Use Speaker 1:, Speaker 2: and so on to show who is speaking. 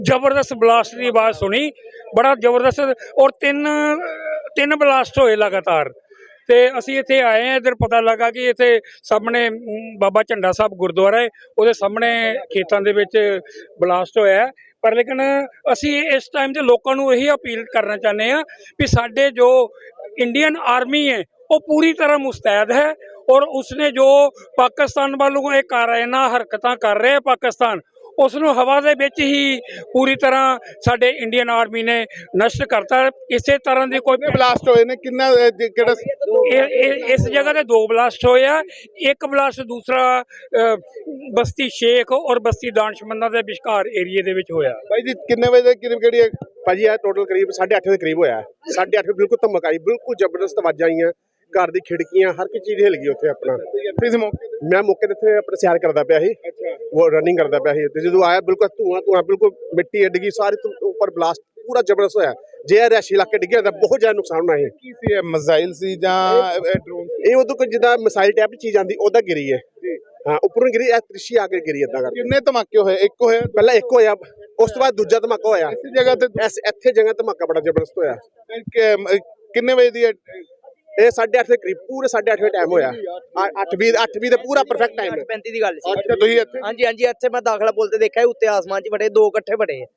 Speaker 1: ਜ਼ਬਰਦਸਤ ਬਲਾਸਟ ਦੀ ਆਵਾਜ਼ ਸੁਣੀ, ਬੜਾ ਜ਼ਬਰਦਸਤ, ਔਰ ਤਿੰਨ ਬਲਾਸਟ ਹੋਏ ਲਗਾਤਾਰ। ਤੇ ਅਸੀਂ ਇੱਥੇ ਆਏ ਹਾਂ, ਇੱਧਰ ਪਤਾ ਲੱਗਾ ਕਿ ਇੱਥੇ ਸਾਹਮਣੇ ਬਾਬਾ ਝੰਡਾ ਸਾਹਿਬ ਗੁਰਦੁਆਰਾ ਹੈ, ਉਹਦੇ ਸਾਹਮਣੇ ਖੇਤਾਂ ਦੇ ਵਿੱਚ ਬਲਾਸਟ ਹੋਇਆ। ਪਰ ਲੇਕਿਨ ਅਸੀਂ ਇਸ ਟਾਈਮ 'ਤੇ ਲੋਕਾਂ ਨੂੰ ਇਹੀ ਅਪੀਲ ਕਰਨਾ ਚਾਹੁੰਦੇ ਹਾਂ ਕਿ ਸਾਡੇ ਜੋ ਇੰਡੀਅਨ ਆਰਮੀ ਹੈ ਉਹ ਪੂਰੀ ਤਰ੍ਹਾਂ ਮੁस्तैद है, और उसने जो पाकिस्तान वालों को काराना हरकतां कर रहे हैं पाकिस्तान, उसनों हवा दे विच ही पूरी तरह साडे इंडियन आर्मी ने नष्ट करता। इसे तरह की कोई
Speaker 2: ਬਲਾਸਟ ਹੋਏ ਨੇ ਕਿੰਨਾ ਕਿਹੜਾ
Speaker 1: इस जगह ते 2 ब्लास्ट होए आ। एक ब्लास्ट दूसरा बस्ती शेख और बस्ती दानशमंदा दे विचकार एरिए दे विच होया।
Speaker 2: ਭਾਈ ਜੀ ਕਿੰਨੇ ਵਜੇ ਦੇ ਕਰੀਬ ਕਿਹੜੀ ਭਾਜੀ ਆ ਟੋਟਲ ਕਰੀਬ 8:30 ਦੇ ਕਰੀਬ ਹੋਇਆ। 8:30 ਬਿਲਕੁਲ ਧਮਕ ਆਈ, ਬਿਲਕੁਲ ਜ਼ਬਰਦਸਤ ਆਵਾਜ਼ਾਂ ਆਈਆਂ, ਘਰ ਦੀ ਖਿੜਕੀਆਂ ਹਰ ਇੱਕ ਚੀਜ਼ ਹਿੱਲ ਗਈ ਉੱਥੇ। ਆਪਣਾ ਮੈਂ ਮੌਕੇ ਤੇ ਇੱਥੇ ਆਪਣਾ ਸੈਰ ਕਰਦਾ ਪਿਆ ਸੀ, ਉਹ ਰਨਿੰਗ ਕਰਦਾ ਪਿਆ ਸੀ, ਤੇ ਜਦੋਂ ਆਇਆ ਬਿਲਕੁਲ ਧੂਆਂ ਬਿਲਕੁਲ ਮਿੱਟੀ ਅੱਡ ਗਈ ਸਾਰੀ ਉੱਪਰ, ਬਲਾਸਟ ਪੂਰਾ ਜ਼ਬਰਦਸਤ ਹੋਇਆ। ਜੇ ਰਿਹਾਇਸ਼ੀ ਇਲਾਕੇ ਡਿੱਗਿਆ ਤਾਂ ਬਹੁਤ ਜ਼ਿਆਦਾ ਨੁਕਸਾਨ ਹੋਣਾ ਹੈ।
Speaker 3: ਕੀ ਸੀ ਇਹ ਮਿਜ਼ਾਈਲ ਸੀ ਜਾਂ ਡਰੋਨ?
Speaker 2: ਇਹ ਉਦੋਂ ਕੋਈ ਜਿੱਦਾਂ ਮਿਸਾਈਲ ਟਾਈਪ ਦੀ ਚੀਜ਼ ਆਂਦੀ ਉਹਦਾ ਗਿਰੀ ਹੈ। ਹਾਂ, ਉੱਪਰੋਂ ਗਿਰੀ, ਇਹ ਤ੍ਰਿਸ਼ੀ ਆ ਕੇ ਗਿਰੀ ਏਦਾਂ ਕਰਕੇ।
Speaker 3: ਕਿੰਨੇ ਧਮਾਕੇ ਹੋਏ? ਇੱਕ ਹੋਇਆ,
Speaker 2: ਪਹਿਲਾਂ ਇੱਕ ਹੋਇਆ, ਉਸ ਤੋਂ ਬਾਅਦ ਦੂਜਾ ਧਮਾਕਾ ਹੋਇਆ।
Speaker 3: ਇਸੇ ਜਗ੍ਹਾ ਤੇ
Speaker 2: ਇੱਥੇ ਜਗ੍ਹਾ ਧਮਾਕਾ ਬੜਾ ਜ਼ਬਰਦਸਤ ਹੋਇਆ।
Speaker 3: ਕਿੰਨੇ ਵਜੇ ਦੀ?
Speaker 2: ਇਹ 8:30 ਦੇ ਕਰੀਬ, ਪੂਰੇ 8:30 ਟਾਈਮ ਹੋਇਆ। 8:20 ਦਾ ਪੂਰਾ ਪਰਫੈਕਟ ਟਾਈਮ ਹੈ।
Speaker 4: 35 ਦੀ ਗੱਲ ਸੀ।
Speaker 3: ਅੱਛਾ, ਤੁਸੀਂ ਇੱਥੇ?
Speaker 4: ਹਾਂਜੀ ਹਾਂਜੀ, ਇੱਥੇ ਮੈਂ ਦਾਖਲਾ ਪੁੱਲ ਤੇ ਦੇਖਿਆ, ਉੱਤੇ ਆਸਮਾਨ 'ਚ ਬੜੇ 2 ਇਕੱਠੇ ਬੜੇ।